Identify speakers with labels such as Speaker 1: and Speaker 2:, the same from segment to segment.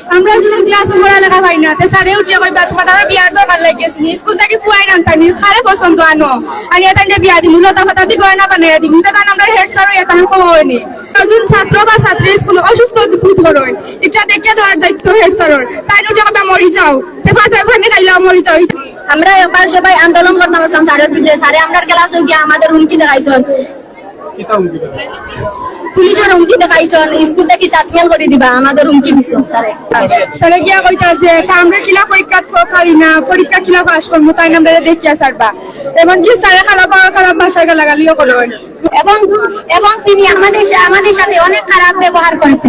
Speaker 1: আমরা যখন ক্লাস পড়ালেখা পাই না স্যারে উঠিয়ে কইবা তোমার বিয়ার দরকার লাগিয়েছি স্কুল থেকে ফুয়াই আনতানি খারে পছন্দ আনো আর এটা বিয়া দিমু লতা ফাতা দি গয়না বানাইয়া দিমু এটা আমরা হেড স্যার এটা কম হয়নি একজন ছাত্র বা ছাত্রী স্কুল অসুস্থ বোধ করেন এটা দেখে দেওয়ার দায়িত্ব হেড স্যারের তাই উঠে কইবা মরি যাও ফাটা ফানে খাইলা মরি যাও
Speaker 2: আমরা এবার সবাই আন্দোলন করতাম স্যারের বিরুদ্ধে স্যারে আমরা ক্লাসে গিয়ে আমাদের হুমকি দেখাইছেন পুলিশের হুমকি দেখাইছেন স্কুল থেকে সাসপেন্ড করে দিবা আমাদের হুমকি দিছো স্যারে
Speaker 1: স্যারে গিয়া কইতাছে আমরা কিলা পরীক্ষা পারি না পরীক্ষা কিলা পাস করবো তাই আমরা দেখিয়া ছাড়বা এমনকি স্যারে খারাপ ভাষায় গালাগালিও করেন
Speaker 2: এবং তিনি আমাদের সাথে অনেক খারাপ ব্যবহার করেছেন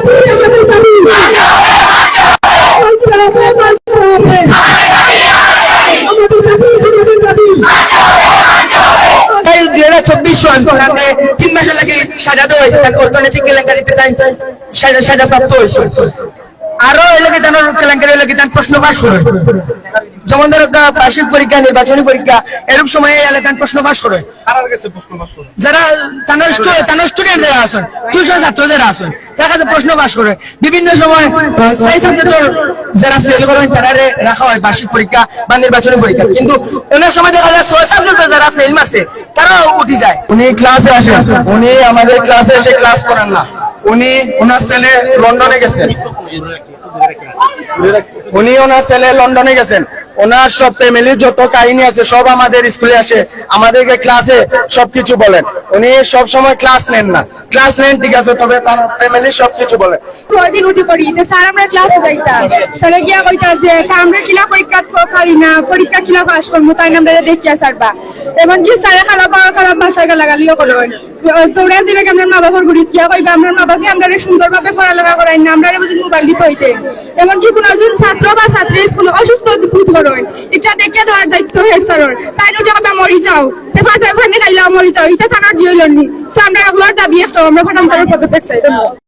Speaker 3: তিন মাসের লাগে সাজা দেওয়া হয়েছে অর্থনৈতিক কেলেঙ্কারিতে সাজা প্রাপ্ত হয়েছে আরো এলাকায় তার কেলেঙ্কারি এলাকায় তার প্রশ্ন ফাঁস করে যেমন ধরো বার্ষিক পরীক্ষা নির্বাচনী পরীক্ষা এরকম সময় এলাকায় প্রশ্ন ফাঁস করে যারা তার স্টুডেন্ট যারা আছেন টিউশন ছাত্র যারা আছেন তার কাছে প্রশ্ন ফাঁস করে বিভিন্ন সময় যারা ফেল করেন তারা রাখা হয় বার্ষিক পরীক্ষা বা নির্বাচনী পরীক্ষা কিন্তু অনেক সময় দেখা যায় 6 সাবজেক্টে যারা ফেল মারছে তারাও উঠে যায় উনি ক্লাসে আসেন উনি আমাদের ক্লাসে এসে ক্লাস করেন না উনি ওনার ছেলে লন্ডনে গেছেন ওনার সব ফ্যামিলির যত কাহিনী আছে সব আমাদের স্কুলে আসে আমাদেরকে ক্লাসে সবকিছু বলেন উনি সব সময় ক্লাস নেন না ক্লাস নেন ঠিক আছে তবে তার ফ্যামিলি সবকিছু বলেন
Speaker 1: 6 দিন উঠে পড়ি স্যার আমরা ক্লাসে যাইতাম স্যারে গিয়া কইতাছে আমরা কিলা পরীক্ষা পারি না পরীক্ষা কিলা পাস করবো তাই আমরা দেখিয়া ছাড়বা এমনকি স্যারে খারাপ ভাষায় গালাগালিও করেন তোমরা দিবে আমরা মা বাবার গুড়ি গিয়া কইবা আমরা মা বাবা আমরা সুন্দরভাবে পড়ালেখা করাই না আমরা বুঝি মোবাইল দিতে হয়েছে এমনকি কোন একজন ছাত্র বা ছাত্রী স্কুল অসুস্থ বোধ করেন এটা দেখে দেওয়ার দায়িত্ব হেড স্যারের তাই উঠে কইবা মরি যাও ফাটা ফানে খাইলা মরি যাও এটা থানার জিওলনি আমরা দাবি একটা আমরা ফাটান স্যারের পদত্যাগ চাই।